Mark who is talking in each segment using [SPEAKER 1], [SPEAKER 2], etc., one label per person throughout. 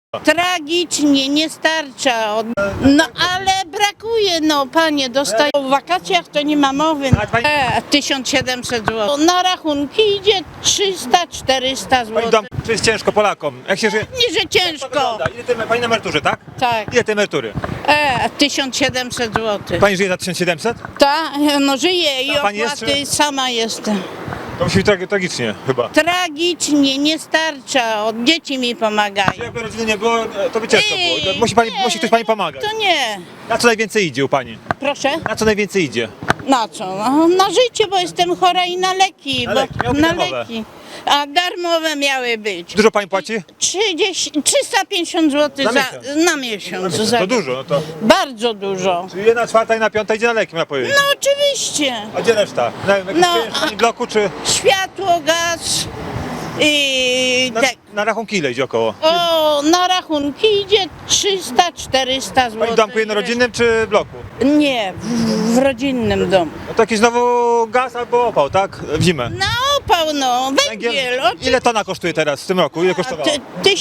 [SPEAKER 1] Tragicznie, nie starcza. No ale brakuje, no panie, dostaję. W wakacjach to nie ma mowy. 1700 zł. Na rachunki idzie 300-400
[SPEAKER 2] Pani dom,
[SPEAKER 1] zł.
[SPEAKER 2] czy jest ciężko Polakom? Jak się żyje?
[SPEAKER 1] Nie, że ciężko.
[SPEAKER 2] Pani na emeryturze, tak?
[SPEAKER 1] Tak.
[SPEAKER 2] Ile tej emerytury?
[SPEAKER 1] 1700 zł.
[SPEAKER 2] Pani żyje za 1700?
[SPEAKER 1] Ta, no żyję i
[SPEAKER 2] A pani jest,
[SPEAKER 1] opłaty sama jestem.
[SPEAKER 2] To musi być tragicznie chyba.
[SPEAKER 1] Tragicznie, nie starcza. Od dzieci mi pomagają.
[SPEAKER 2] Jakby rodziny nie było, to by ciężko było. Musi ktoś pani pomagać.
[SPEAKER 1] To nie.
[SPEAKER 2] Na co najwięcej idzie u pani?
[SPEAKER 1] Proszę?
[SPEAKER 2] Na co najwięcej idzie?
[SPEAKER 1] Na co? No, na życie, bo jestem chora i na leki.
[SPEAKER 2] Na leki, miały być
[SPEAKER 1] na
[SPEAKER 2] darmowe.
[SPEAKER 1] leki. A darmowe miały być.
[SPEAKER 2] Dużo pani płaci?
[SPEAKER 1] 350 zł
[SPEAKER 2] Na miesiąc.
[SPEAKER 1] na miesiąc.
[SPEAKER 2] To dużo, no to.
[SPEAKER 1] Bardzo dużo.
[SPEAKER 2] Czyli 1/4 i na 5 idzie na leki, miała powiedzieć.
[SPEAKER 1] No oczywiście.
[SPEAKER 2] A gdzie reszta?
[SPEAKER 1] No,
[SPEAKER 2] W pani bloku czy
[SPEAKER 1] Światło, gaz i
[SPEAKER 2] na rachunki ile idzie około?
[SPEAKER 1] na rachunki idzie 300-400 zł.
[SPEAKER 2] Pani w domku jednorodzinnym czy w bloku?
[SPEAKER 1] Nie, w rodzinnym domu.
[SPEAKER 2] No to jakiś znowu gaz albo opał, tak? W zimę.
[SPEAKER 1] Na opał, no, węgiel.
[SPEAKER 2] Ile tona kosztuje teraz w tym roku? Ile kosztowało?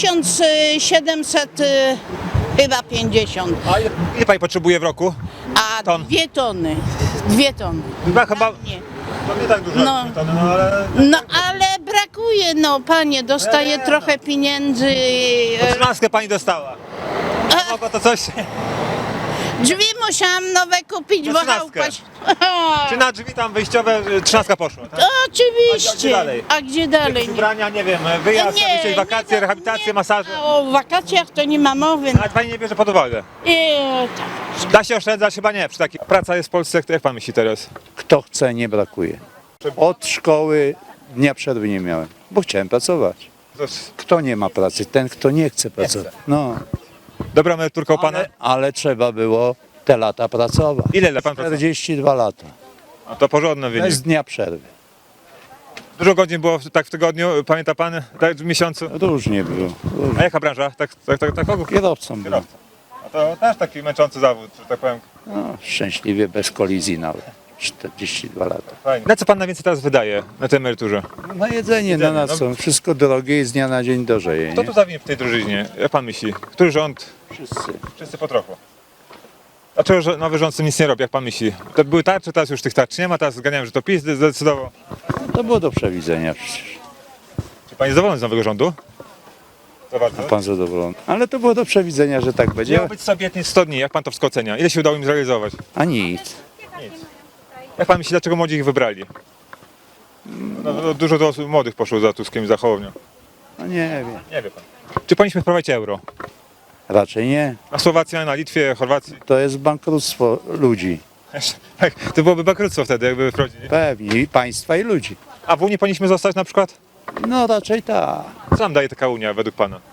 [SPEAKER 1] 1700 chyba 50,
[SPEAKER 2] A ile pani potrzebuje w roku?
[SPEAKER 1] a
[SPEAKER 2] Ton.
[SPEAKER 1] 2 tony. 2 tony.
[SPEAKER 2] Chyba
[SPEAKER 1] Nie.
[SPEAKER 2] to nie tak dużo.
[SPEAKER 1] No.
[SPEAKER 2] No ale
[SPEAKER 1] No ale brakuje, no panie, dostaje trochę pieniędzy.
[SPEAKER 2] trzynastkę pani dostała. Mogło to coś.
[SPEAKER 1] Drzwi musiałam nowe kupić,
[SPEAKER 2] Na
[SPEAKER 1] bo
[SPEAKER 2] 13.
[SPEAKER 1] chałupaś.
[SPEAKER 2] Czy na drzwi tam wyjściowe trzynastka poszła? Tak?
[SPEAKER 1] Oczywiście.
[SPEAKER 2] A gdzie dalej?
[SPEAKER 1] A gdzie dalej?
[SPEAKER 2] Jakieś ubrania, nie wiem, wyjazd, jakieś wakacje,
[SPEAKER 1] nie,
[SPEAKER 2] rehabilitacje,
[SPEAKER 1] nie,
[SPEAKER 2] masaże.
[SPEAKER 1] O wakacjach to nie ma mowy.
[SPEAKER 2] Ale pani nie bierze pod uwagę.
[SPEAKER 1] Tak.
[SPEAKER 2] Da się oszczędzać? Chyba nie. Przy takiej praca jest w Polsce, jak pan myśli teraz?
[SPEAKER 3] Kto chce, nie brakuje. Od szkoły dnia przerwy nie miałem, bo chciałem pracować. Kto nie ma pracy? Ten, kto nie chce pracować. No,
[SPEAKER 2] Dobra emeryturka u pana?
[SPEAKER 3] ale trzeba było te lata pracować.
[SPEAKER 2] Ile pan pracował?
[SPEAKER 3] 42 lata,
[SPEAKER 2] A to porządny wynik.
[SPEAKER 3] bez dnia przerwy.
[SPEAKER 2] Dużo godzin było tak w tygodniu, pamięta pan? Tak w miesiącu?
[SPEAKER 3] Różnie było.
[SPEAKER 2] A jaka branża? Tak ogół?
[SPEAKER 3] Kierowcą byłem.
[SPEAKER 2] A to też taki męczący zawód, że tak powiem.
[SPEAKER 3] No, szczęśliwie, bez kolizji nawet. 42 lata.
[SPEAKER 2] Fajnie. Na co pan najwięcej teraz wydaje na tej emeryturze?
[SPEAKER 3] Na jedzenie,
[SPEAKER 2] Jedzenie,
[SPEAKER 3] na co? Wszystko drogie i z dnia na dzień drożeje.
[SPEAKER 2] Kto
[SPEAKER 3] Nie?
[SPEAKER 2] tu zawinie w tej drużynie? Jak pan myśli? Który rząd?
[SPEAKER 3] Wszyscy.
[SPEAKER 2] Wszyscy po trochu. Dlaczego nowy rząd z tym nic nie robi, jak pan myśli? To były tarcze, teraz już tych tarcz nie ma, teraz zganiałem, że to PiS zdecydował.
[SPEAKER 3] To było do przewidzenia przecież.
[SPEAKER 2] Czy pan jest zadowolony z nowego rządu? To bardzo.
[SPEAKER 3] Pan zadowolony. Ale to było do przewidzenia, że tak będzie.
[SPEAKER 2] Miał być sobie obietnic 100 dni, jak pan to wszystko ocenia? Ile się udało im zrealizować?
[SPEAKER 3] A nic.
[SPEAKER 2] Nic. Jak pan myśli, dlaczego młodzi ich wybrali? No, dużo do osób młodych poszło za Tuskiem i za Hołownią.
[SPEAKER 3] No nie wiem.
[SPEAKER 2] Nie wie pan. Czy powinniśmy wprowadzić euro?
[SPEAKER 3] Raczej nie.
[SPEAKER 2] Na Słowacji, na Litwie, Chorwacji?
[SPEAKER 3] To jest bankructwo ludzi.
[SPEAKER 2] Tak, to byłoby bankructwo wtedy, jakby wprowadzili.
[SPEAKER 3] Pewnie. I państwa, i ludzi.
[SPEAKER 2] A w Unii powinniśmy zostać na przykład?
[SPEAKER 3] No raczej tak.
[SPEAKER 2] Co nam daje taka Unia według pana?